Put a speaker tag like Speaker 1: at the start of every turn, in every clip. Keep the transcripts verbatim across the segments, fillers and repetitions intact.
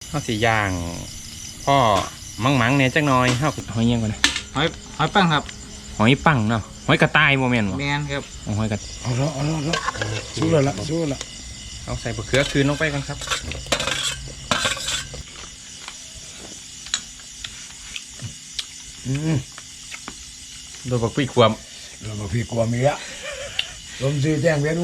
Speaker 1: ข้าวสีย่างพ่อมังมังเนี่ยจังน้อยข้าวหอยยังก่อนนะ
Speaker 2: หอยหอยปังครับ
Speaker 1: หอยปังเนาะหอยกระต่ายโมเมนต์วะ
Speaker 2: แมนครับ
Speaker 1: หอยกระ
Speaker 3: เอาละเอาละเอาละสู้เลยละสู้ละ
Speaker 1: เอาใส่บะเขือคืนลงไปกันครับอืมโดนบักปีกความ
Speaker 3: โดนบักปีกความมีละลมซีแจ้งเวียนอู้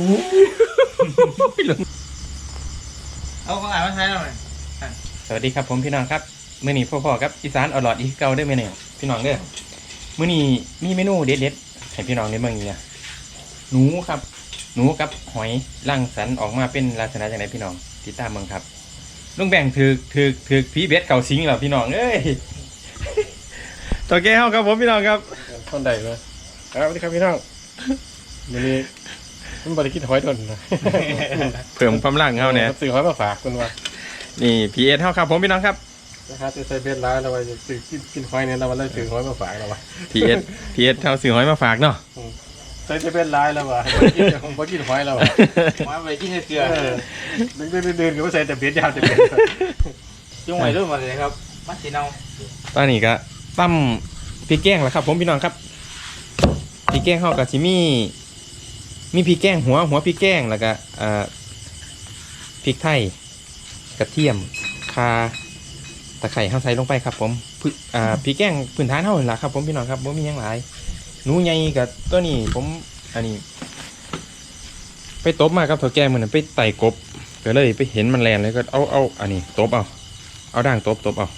Speaker 2: เอาของอ่านมาใช้หน่อย
Speaker 1: สวัสดีครับผมพี่น้องครับมื้อนี้พ่อๆครับอีสานอร่อยอีกเก่าได้ไหมเนี่ยพี่น้องเด้อมื้อนี้มีเมนูเด็ดๆให้พี่น้องได้เบิ่งอีกเนี่ยหนูครับหนูกับหอยร่างสรรค์ออกมาเป็นลักษณะอย่างไรพี่น้องติดตามเบิ่งครับลุงแบ่งถือถือถือผีเบ็ดเก่าสิงเหรอพี่น้องเอ้ยตัวแก้วครับผมพี่น้องครับ
Speaker 3: ท่อนใดเลยครับสวัสดีครับพี่น้องวันนี้มันบริกินหอยดนนะ
Speaker 1: เพิ่มความร่างเขาเนี่ย
Speaker 3: ซื้อหอยมาฝากคุณว่า
Speaker 1: นี่พีเอสเท่าครับผมพี่น้องครับ
Speaker 3: นะครับจะใส่เบ็ดร้ายเราไปซื้อกินกินหอยเนี่ยเราไปเลยซื้อหอยมาฝากเราไป
Speaker 1: พีเอสพีเอสเท่าซื้อหอยมาฝากเนาะ
Speaker 3: ใส่เบ็ดร้ายแล้วว่ะผมก็กินหอยแล้ว
Speaker 2: มาไปกินเกลือ
Speaker 3: เดินเดินเดินก็ใส่แต่เบ็ดยาวแต่เบ็ด
Speaker 2: จุ่มไว้ด้วยมาเลยครับมัดสีเนา
Speaker 1: ตอนนี้ก็ตั้มพริกแกงแล้วครับผมพี่น้องครับพริกแกงเข้ากับชิมี่มีพริกแกงหัวหัวพริกแกงแล้วก็พริกไทยกระเทียมข่าตะไคร้เข้าใส่ลงไปครับผมพริกแกงพื้นฐานเท่าไหร่ละครับผมพี่น้องครับผมมีอย่างไรหนูใหญ่กับตัวนี้ผมอันนี้ไปตบมาครับถั่วแกงเหมือนไปไต่กบก็เลยไปเห็นมันแลนเลยก็เอาเอาอันนี้ตบเอาเอาด่างตบตบเอา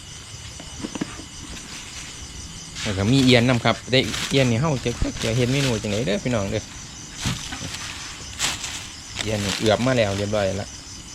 Speaker 1: แล้วก็มีเอียนนำครับได้เอียนนี่เฮาจะจะเห็นเมนูจังไหนเด้อพี่น้องเด้อเอียนเอือบมาแล้วเรียบร้อยแล้ว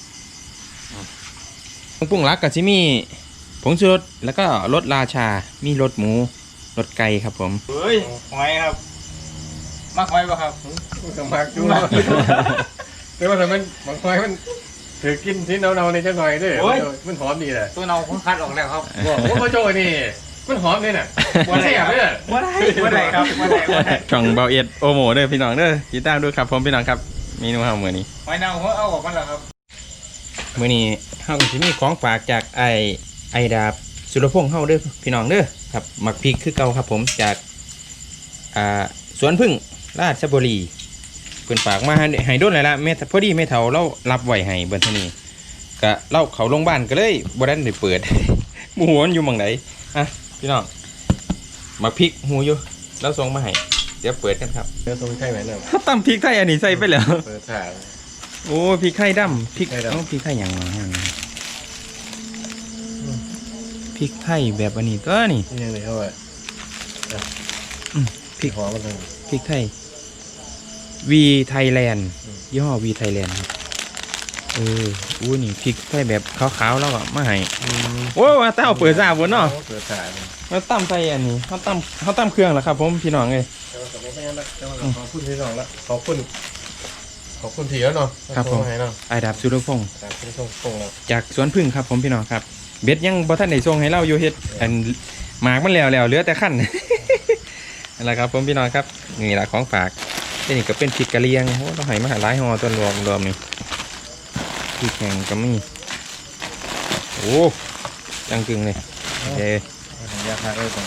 Speaker 1: ปรุงรักกับชิมี่ผงชูรสแล้วก็รสราชามีรสหมูรสไก่ครับผม
Speaker 2: เฮ้ยหอยครับมากหอยป่ะครับ
Speaker 3: มากจุ๊บแต่ว่าทำไมบางหอยมันถือกินที่เนาๆในจังหน่อยด้วยมันหอมดีเลย
Speaker 2: ตัวเนาผมคัดออกแล้วครับ
Speaker 3: ว่าเขาโจ้นี่มันหอมเลยน่ะ
Speaker 2: ว่าได้ครับว่าได้ว่าได้ครับว่าได้ว่าได้
Speaker 1: ช่องเบาเอ็ดโอโมเด้อพี่น้องเด้อติดตามด้วยครับผมพี่น้องครับเมนูเฮามื้อนี้
Speaker 2: หอยนางผมเอาออกมาแล้วครับ
Speaker 1: มื้อนี้เฮาก็สิมีของฝากจากไอไอดาบสุรพงษ์เฮาเด้อพี่น้องเด้อครับหมักพริกคือเก่าครับผมจากอ่าสวนพึ่งราชบุรีเพิ่นฝากมาให้โดนแล้วล่ะแม่พอดีแม่เฒ่าเรารับไว้ให้เบิ่นเท่านี้ก็เล่าเขาโรงพยาบาลก็เลยบ่ได้ได้เปิดหมูมันอยู่หม่องไหนอ่ะพี่น้องหมักพริกหูอยู่แล้วส่งมาให้เดี๋ยวเปิดกันครับ
Speaker 3: เดี๋ยวส่งไข่ไหมเนี่ย
Speaker 1: ตำพริกไทยอันนี้ใส่ไปแล้ว
Speaker 3: เปิดถ่าย
Speaker 1: โอ้พริกไทยดำพริกต้องพริกไทยอย่างไรพริกไทยแบบอันนี้ก็นี่
Speaker 3: ยังไงเขาอ่ะ
Speaker 1: พริก
Speaker 3: หอมมันเลย
Speaker 1: พริกไทยวีไทยแลนด์ยี่ห้อวีไทยแลนด์ครับเอออู้นี่พริกไทยแบบขาวๆแล้วก็มาให้โอ้ว่าแต่เอาเปิดซ่าบนเนาะ
Speaker 3: เปิดถ่าย
Speaker 1: แล้วตั้มใส่อันนี้เขาตั้มเขาตั้มเครื่องแล้วครับผมพี่น้องเลย
Speaker 3: ขอบคุณพี่น้องละขอบคุณขอบคุณทีแล้วเนาะ
Speaker 1: ครับผมไอดาบสุรพงษ์จากสวนพึ่งครับผมพี่น้องครับเบ็ดยังบ่ท่านได้ส่งให้เราอยู่เฮ็ดอันหมากมันแล้วแล้วเหลือแต่ขั้นอะไรครับผมพี่น้องครับนี่แหละของฝากนี่ก็เป็นพริกกะเลียงโอ้ต้องให้มาหลายห่อตัวรวมรวมนี่พริกแห้งก็มีโอ้จังกึ่งเลยโอเค
Speaker 3: ยากมากเลยผม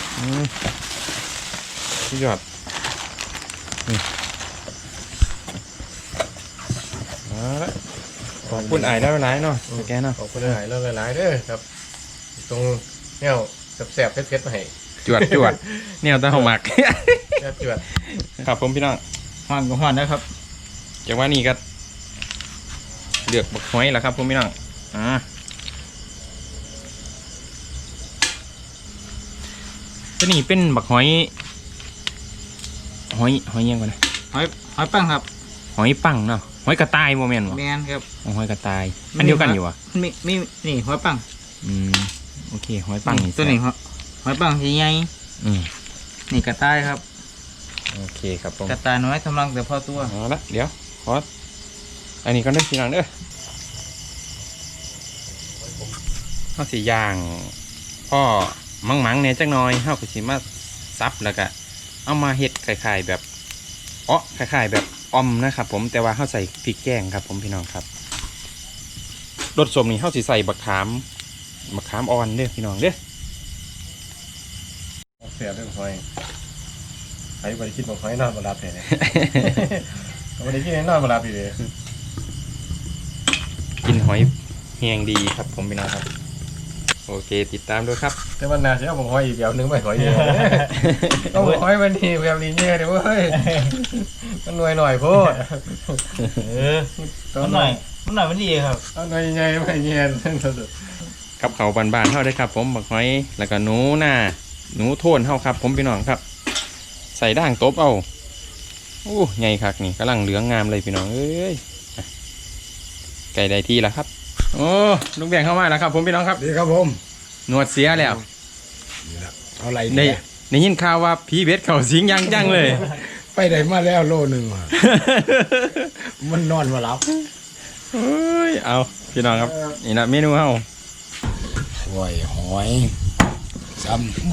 Speaker 1: สุดยอดขอบคุณไอ้ได้หลายเนาะแกเนาะ
Speaker 3: ขอบคุณไอ้แล้วหลายๆเด้อครับตรงแนวแสบๆเผ็ดๆมาให้
Speaker 1: จวดจวดแนวตาหมัก
Speaker 3: จวด
Speaker 1: ครับผมพี่น้อง
Speaker 2: หอนก็หอนนะครับ
Speaker 1: จากว่านี่ก็เลือกบักหอยแล้วครับผมพี่น้องอ่าตัวนี้เป็นบักหอยหอยหอยยังก่อนนะ
Speaker 2: หอยหอยปังครับ
Speaker 1: หอยปังเนาะหอยกระต่ายโมเมนต์วะ
Speaker 2: แมนครับ
Speaker 1: หอยกระต่ายอันเดียวกันอยู่วะ
Speaker 2: มีมีนี่หอยปัง
Speaker 1: อืมโอเคหอยปัง
Speaker 2: ตัวนี้หอยปังสีใหญ่
Speaker 1: อืม
Speaker 2: นี่กระต่ายครับ
Speaker 1: โอเคครับผม
Speaker 2: กระต่ายน้อยกำลังแต่พอตัว
Speaker 1: เอาละเดี๋ยวขออันนี้ก็ได้ทีหลังเด้อข้าวสีย่างพ่อมังมังเนี่ยจังน้อยข้าวกุชิมาซับแล้วก็เอามาเฮ็ดคล้ายๆแบบอ๋อคล้ายๆแบบออมนะครับผมแต่ว่าข้าวใส่พริกแกงครับผมพี่น้องครับรสสมนี่เฮาสิใส่บักขามบักขามอ่อนเด้อพี่น้องเด้อ
Speaker 3: เสียเรื่องหอยใครบริคิดบอกหอยนอนบนรับเลยเนี่ยบริคิดให้นอนบนรับอีกเลย
Speaker 1: กินหอยแห้งดีครับผมพี่น้องครับโอเคติดตามด้วยครับ
Speaker 3: แต่วันหนาเสียบอกหอยอีกแบบนึงไปหอยเดียวต้องบอกหอยมันนี่แบบนี้เนี่ยเดี๋ยวเว้ยมันหน่วยหน่อยโพด
Speaker 2: เออมันหน่อยมันหน่อยมันดีครับ
Speaker 3: เอาหน่อยใหญ่ไม่เงี้ยสุด
Speaker 1: กับเขาวบานๆเฮาได้ครับผมบักหอยแล้วก็หนูหน้าหนูโทนเฮาครับผมพี่น้องครับ ใส่ด่างตบเอาโอ้ใหญ่คักนี่กำลังเหลืองงามเลยพี่น้องเอ้ยอ่ะไก่ได้ที่แล้วครับโอ้ลุงแบงเข้ามาแล้วครับผมพี่น้องครับ
Speaker 3: ดีครับผม
Speaker 1: หนวดเสียแล้ว
Speaker 3: เอาอะไร
Speaker 1: ได้ได้ยินข่าวว่าผีเบ็ดเขาสิงยังจังเลย
Speaker 3: ไปได้มาแล้วโลหนึ่งมันนอนมารับ
Speaker 1: เฮ้ยเอาพี่น้องครับนี่นะเมนูเฮา
Speaker 3: หอยหอยซ้ำ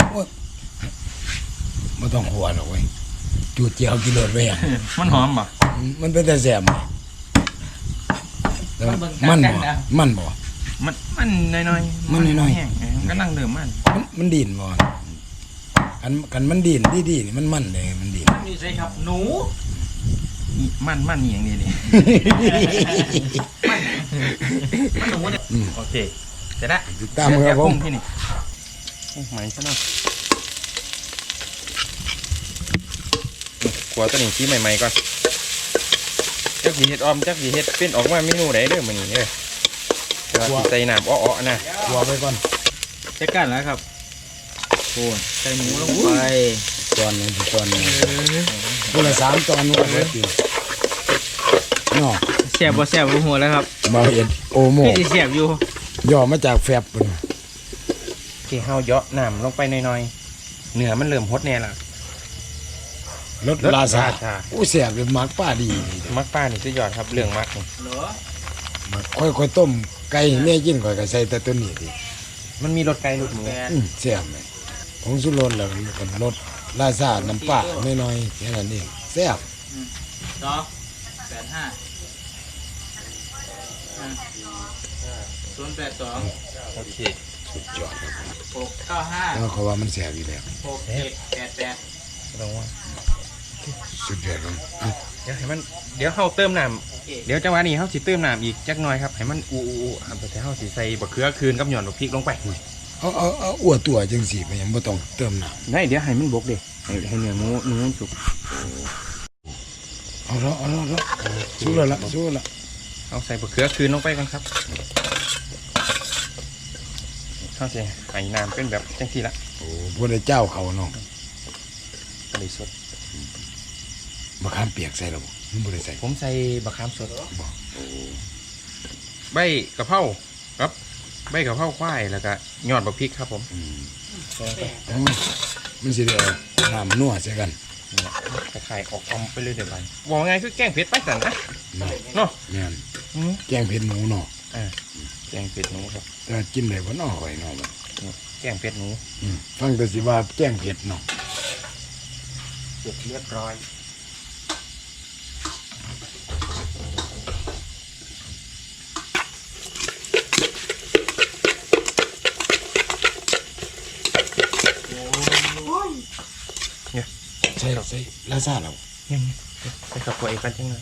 Speaker 3: ไม่ต้องหัวหรอกเว้ยจูดเจียวกิโลดไว้อ่ะ
Speaker 1: มันหอมป่ะ
Speaker 3: มันเป็นแต่แสบแต่ว่ามันบ่มันบ่
Speaker 1: มันมันน้อยๆ
Speaker 3: มันน้อยๆ
Speaker 1: แห้งๆมันก็นั่งเดิมมัน
Speaker 3: มันมันดินบ่กันกันมันดินดีดีนี่มันมันเลยมันดิน
Speaker 2: นี่ใช่ครับหนู
Speaker 1: อีมันมันนี่อย่างนี้นี่
Speaker 2: มันหนูเนี่ย
Speaker 3: อืม
Speaker 1: โอเคเสร็จแล้ว
Speaker 3: ติดตามครับผม
Speaker 1: ที่นี่โอ้ไหมซะหน่อยกลัวตัวนี้ชี้ใหม่ๆก่อนจักสีเห็ดออมจักสีเห็ดเป็นออกมาเมนูไหนเด้อมันนี่เด้อแต่ว่าสิใส่น้ำอ้อๆนะ
Speaker 3: หัวไปก่อน
Speaker 2: ใช้กันแล้วครับโอ้ใส่หมูลงไป
Speaker 3: ตอนหนึงตอนหนึงคนละสามตอนมันก็เบิดอยู่เนาะ
Speaker 2: แซ่บบ่แซ่บบ่หัวแล้วครับ
Speaker 3: บ่เห็นโอโม
Speaker 2: พี่สิแซ่บอยู่
Speaker 3: ย่อมาจากแฟบพุ่น
Speaker 1: โอเคเฮาเยาะน้ำลงไปหน่อยๆเนื้อมันเริ่มฮดแน่ละ
Speaker 3: รสลาซา
Speaker 1: ชา
Speaker 3: อู้แสบเลยมักป้าดีนี่
Speaker 1: มักป้านี่สุดยอดครับเรื่องมักนี่
Speaker 2: เหรอ
Speaker 3: มักค่อยๆต้มไก่ให้แม่กินค่อยก็ใส่แต่ตัวนี้ดิ
Speaker 1: มันมีรสไก่รสหมู
Speaker 2: แปด
Speaker 3: อืมแซ่บเลยผงสุรสแล้วก็รสลาซาน้ำปลาน้อยๆแค่นั้นเองแซ่บ
Speaker 2: สองแปดห้าศูนย์แปดสอง
Speaker 1: โอเค
Speaker 3: สุดยอดครับผม
Speaker 2: หกเก้าห้า
Speaker 3: แล้วเขาว่ามันแซ่บอยู่แล้ว
Speaker 2: หกเจ็ดแปดแปด
Speaker 1: ลองว่า
Speaker 3: สุดยอดครับอ่ะ
Speaker 1: เดี๋ยวให้มันเดี๋ยวเฮาเติมน้
Speaker 2: โอเค
Speaker 1: ำเดี๋ยวจังหวะนี้เฮาสิเติมน้ำอีกจักหน่อยครับให้มันอูอูอูครับแต่เฮาสิใส่บะเขือคืนกับหย่อนบักพริกลงไป
Speaker 3: เอาเอาเอาอ้วตัวจังสิไปยังบ่ต้องเติมน้ำ
Speaker 1: ได้เดี๋ยวให้มันบกเด้ให้ให้เนื้อหมูเนื้อมันสุก
Speaker 3: เอาละเอาละเอาละสู้แล้วละสู้แล้วละ
Speaker 1: เอาใส่บะเขือคืนลงไปกันครับเฮาสิให้น้ำเป็นแบบจังซี่ละ
Speaker 3: โอ้พวกได้เจ้าเขาเนาะ
Speaker 1: ก็เลยสด
Speaker 3: มะขามเปียกใส่แล้วบ่มันบ่ได้ใส่
Speaker 1: ผมใส่บะขามสดใบกะเพราครับใบกะเพราควายแล้วก็ยอดบักพริกครับผม
Speaker 3: อืมเอามันสิได้เอาน้ำนัวใส่กัน
Speaker 1: คล้ายๆออกอมไปเลยเดี๋ยวไปบอกไงคือแกงเผ็ดไปสันนะ
Speaker 3: เนาะ
Speaker 1: เนาะ
Speaker 3: แม่น
Speaker 1: อืม
Speaker 3: แกงเผ็ดหมูเนาะ
Speaker 1: อ่าแกงเผ็ดหนูครับ
Speaker 3: แต่กินได้บ่เนาะข่อยเนาะบัด
Speaker 1: แกงเผ็ดหนู
Speaker 3: อืมฟังแต่สิว่าแกงเผ็ดเนาะ
Speaker 1: เสร็จเรียบร้อยเนี่ย
Speaker 3: ใส่ใส่ลาซาแล้ว
Speaker 1: เนี่ยไปกับตัวเองกันจังเลย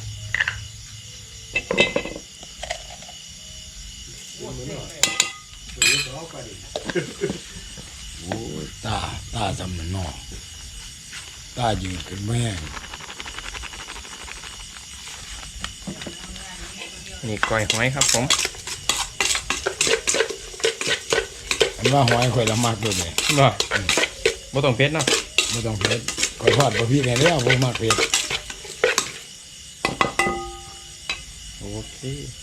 Speaker 3: โอ้ยตาตาจำนั่นเนาะตายืนขึ้นแม่ง
Speaker 1: นี่ก้อยหอยครับผม
Speaker 3: อันว่าหอยข่อยละมักด้วยแม่
Speaker 1: บ่บ่ต้องเผ็ดเนาะ
Speaker 3: บ่ต้องเผ็ดข่อยทอดบ่พี่แน่แล้วบ่มักเผ็ด
Speaker 1: โอเค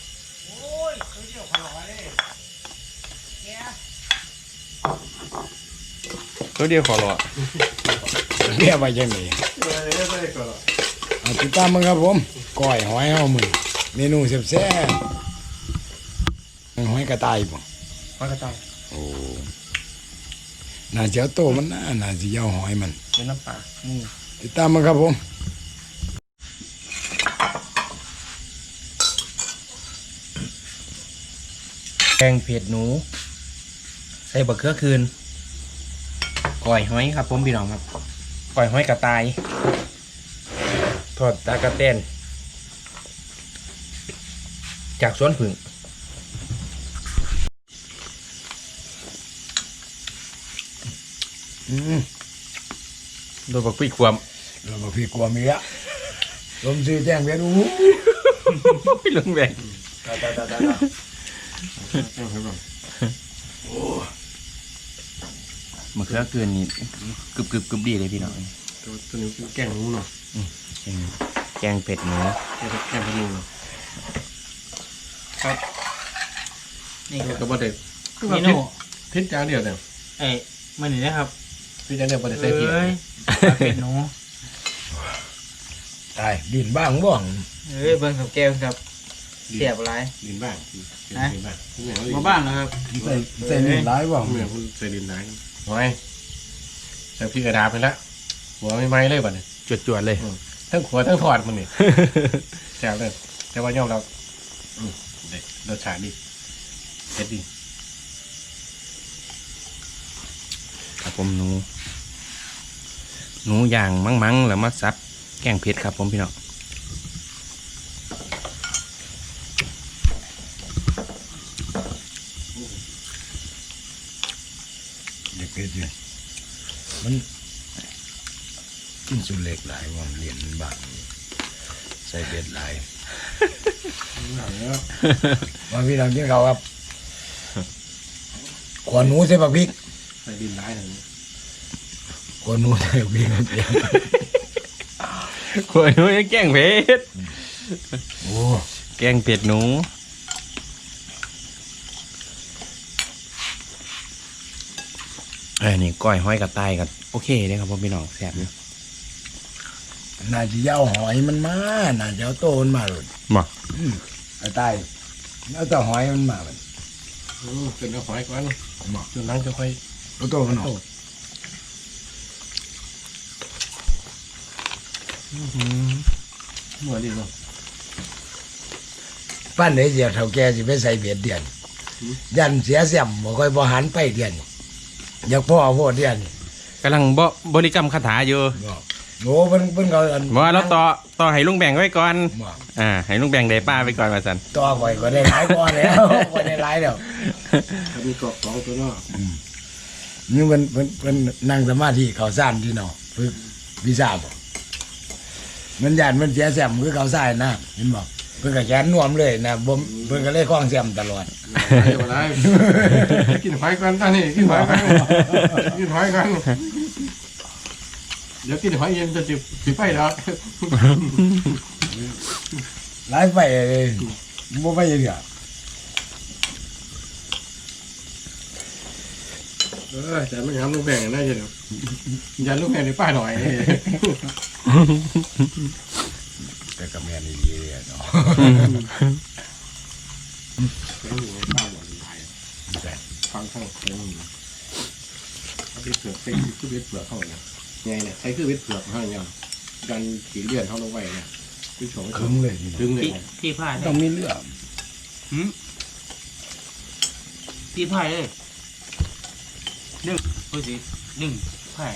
Speaker 1: ตัวเดียวขอรอ
Speaker 3: เรียกว่าจังได๋เอาติดตามมึงครับผมก้อยหอยเฮามื้อเมนูแซ่บๆหอยกระต่ายบ่
Speaker 1: มันก็ต้อง
Speaker 3: โอ้น่าจะเอาโตมันน่าน่าสิเอาหอยมัน
Speaker 1: เป็นน้ำปลานี่
Speaker 3: ติดตามมาครับผม
Speaker 1: แกงเผ็ดหนูใส่บะเขือคืนก้อยหอยครับผมพี่น้องครับก้อยหอยกระต่ายทอดตากระเต้นจากสวนผึ่งอืมโดยบักพี่ความ
Speaker 3: เราบอกพี่กลัวเมียลมซื้อแจ้งเวียนอู้
Speaker 1: พี่ลงแบง
Speaker 3: ตาตาตาตา
Speaker 1: มะเขือเกินนี่กึบกึบกึบดีเลยพี่น้อง
Speaker 2: ตัวตัวนี้เป็นแกงหนูเนาะ
Speaker 1: แกงเผ็ดหนู
Speaker 2: แกงแกงพะนูเนาะครับ
Speaker 4: นี่ค
Speaker 2: กั
Speaker 4: รั
Speaker 2: บบ บ่ได้คือว่า
Speaker 4: นี่
Speaker 2: พิษ
Speaker 4: โน่
Speaker 2: พิษจางเดียวเนี่ย
Speaker 4: ไอ้มันนี่นะครับ
Speaker 2: พิษจางเดียวบ่ได้ใส่เพีย
Speaker 4: เอ้ยเป็นหนู
Speaker 3: ตายดินบ้างบ้าง
Speaker 4: เอ้ยเบิ่งกับแก้วครับเสียบอะไร
Speaker 2: ดินบ้างดินบ้างเหมือน
Speaker 4: มาบ้านนะครับ
Speaker 3: ใส่ใส่ดินร้ายบ้าง
Speaker 2: เหมือนคุณใส่ดินไหนหอยใส่พี่กระดาษไปแล้วหัวไม่ไหม้เลยบัดนี้
Speaker 1: จวดจวดๆเลย
Speaker 2: ทั้งขัวทั้งถอดมันนี่ แซ่บเลยแต่ว่ายอมเราอืมเด็ดรสชาติดีเผ็ดดี
Speaker 1: ครับผมหนูหนูย่างมั้งๆแล้วมาซับแกงเผ็ดครับผมพี่น้อง
Speaker 3: เด็กเกิดอยู่มันกินสุดเล็กหลายว่าเรียนบ้างใส่เบ็ดหลายมาพี่น้องกินข้าวครับขวานหนูใส่บักพริก
Speaker 2: ใส่ดินร้ายหนึ่ง
Speaker 3: ขวานหนูใส่บักพริกครับเดียว
Speaker 1: ขวหนูยังแกงเผ็ด
Speaker 3: โอ้
Speaker 1: แกงเผ็ดหนูเอ้ยนี่ก้อยห้อยกระต่ายกันโอเคเลยครับผมพี่น้องแซ่บอยู่
Speaker 3: น่าจะยาวหอยมันมาน่าจะเอาโตมันมาเลย
Speaker 1: มา
Speaker 3: กระต่ายแล้วแต่หอยมันมามัน
Speaker 2: จนเอาหอยก่อนจนหลังจะค่อย
Speaker 3: เอาโตมันออก
Speaker 2: หน่วยดีเนาะ
Speaker 3: ปั้นได้เดียวเท่าแกสิไปใส่เบ็ดเดือน ยันเสียเสียมบ่ค่อยบ่หันไปเดือนอยากพ่อโพดเดือน
Speaker 1: กำลังบ่บริกรรมคาถาอยู่
Speaker 3: บอกโง่เพิ่นเพิ่นก็อัน
Speaker 1: ว่าเราต่อต่อให้ลุงแบ่งไว้ก่อน
Speaker 3: บอก
Speaker 1: อ่าให้ลุงแบ่งได้ป้าไปก่อนมาสัน
Speaker 3: ต่อข่อยก็ได้หลายกว่าแล้ว ก็ได้หลายแล้ว
Speaker 2: มีกรอบสองตัวเนาะ
Speaker 3: นี่เพิ่นเพิ่นเพิ่นนั่งสมาธิเขาซ่านที่เนาะฝึกวิชาบ่มันยันมันเสียเสียมคือเขาซ่านนะเห็นบ่เพิ่นก็แขนน่วมเลยนะบ่เพิ่นก็เลยคล้องเสียมตลอด
Speaker 2: เดี๋ยวอะไรกินหอยกันตอนนี้กินหอยกันกินหอยกันเดี๋ยวกินหอยเย็นจะจิบจิบไปแล้ว
Speaker 3: หลายไปเลยบ่ไปเรื่อย
Speaker 2: เออแต่ไม่ทำลูกแบ่งน่าจะเดี๋ยวยันลูกแบ่งในป้าหน่อย
Speaker 3: แต่ก็แม่นอีหลีเนาะ
Speaker 2: ฟังข้างเต็มเอาไปเปลือกใส่คือเวทเปลือกเข้าเนี่ยไงเนี่ยใช้คือเวทเปลือกเข้าเนี่ยยันขีเลื่อนเข้าลงไปเนี่ยคือโฉม
Speaker 3: คึงเลยนี่
Speaker 2: ดึงเลย
Speaker 4: ที่ที่พาย
Speaker 3: ต้องมีเรื่อง
Speaker 4: ที่พายเลยหนึ่งพูดสิหนึ่งพาย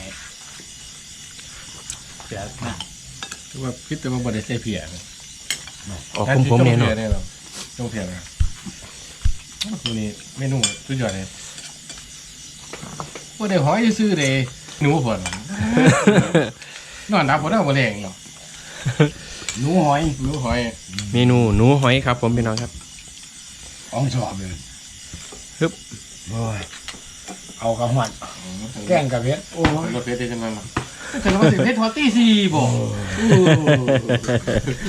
Speaker 4: เสียหน้า
Speaker 2: คือว่าพิษแต่ว่าบริใส่เพีย
Speaker 1: ออกผมผมเนี่ยเนาะ
Speaker 2: เนี่ยเนาะจงเพียนะตัวนี้เมนูสุดยอดเลยว่าได้หอยซื้อเลยหนูผลนอนนับผลเอาบะแรงเนาะ
Speaker 3: หนูหอย
Speaker 2: หนูหอย
Speaker 1: เมนูหนูหอยครับผมพี่น้องครับ
Speaker 3: อ่องชอบเลย
Speaker 1: ฮึบ
Speaker 3: โอ้ยเอากระหวัดแกงกับเพชร
Speaker 2: โอ้ยรถเพชรได้จังนั้นเนาะแต่เราว่าสิเพชรทอตตี้สี่บ่